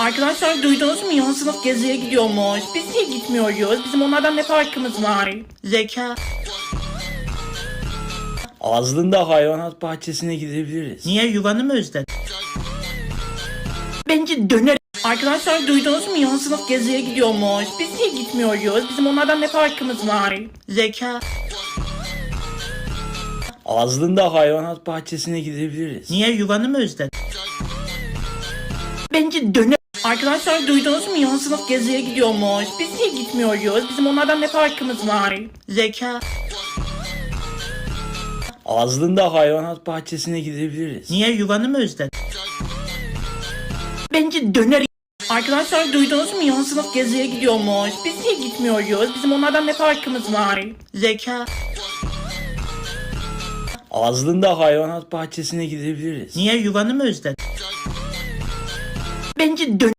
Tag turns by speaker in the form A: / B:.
A: Arkadaşlar duydunuz mu? Yan sınıf geziye gidiyormuş. Biz niye gitmiyoruz? Bizim onlardan ne farkımız var? Zeka.
B: Aslında hayvanat bahçesine gidebiliriz.
A: Niye, yuvanı mı özledin? Bence döner. Arkadaşlar duydunuz mu? Yan sınıf geziye gidiyormuş. Biz niye gitmiyoruz? Bizim onlardan ne farkımız var? Zeka.
B: Aslında hayvanat bahçesine gidebiliriz.
A: Niye, yuvanı mı özledin? Bence döner. Arkadaşlar duydunuz mu? Yan sınıf geziye gidiyormuş. Biz niye gitmiyoruz? Bizim onlardan ne farkımız var? Zeka.
B: Aslında hayvanat bahçesine gidebiliriz.
A: Niye, yuvanı mı özledin? Bence döner. Arkadaşlar duydunuz mu? Yan sınıf geziye gidiyormuş. Biz niye gitmiyoruz? Bizim onlardan ne farkımız var? Zeka.
B: Aslında hayvanat bahçesine gidebiliriz.
A: Niye, yuvanı mı özledin? Bence döner.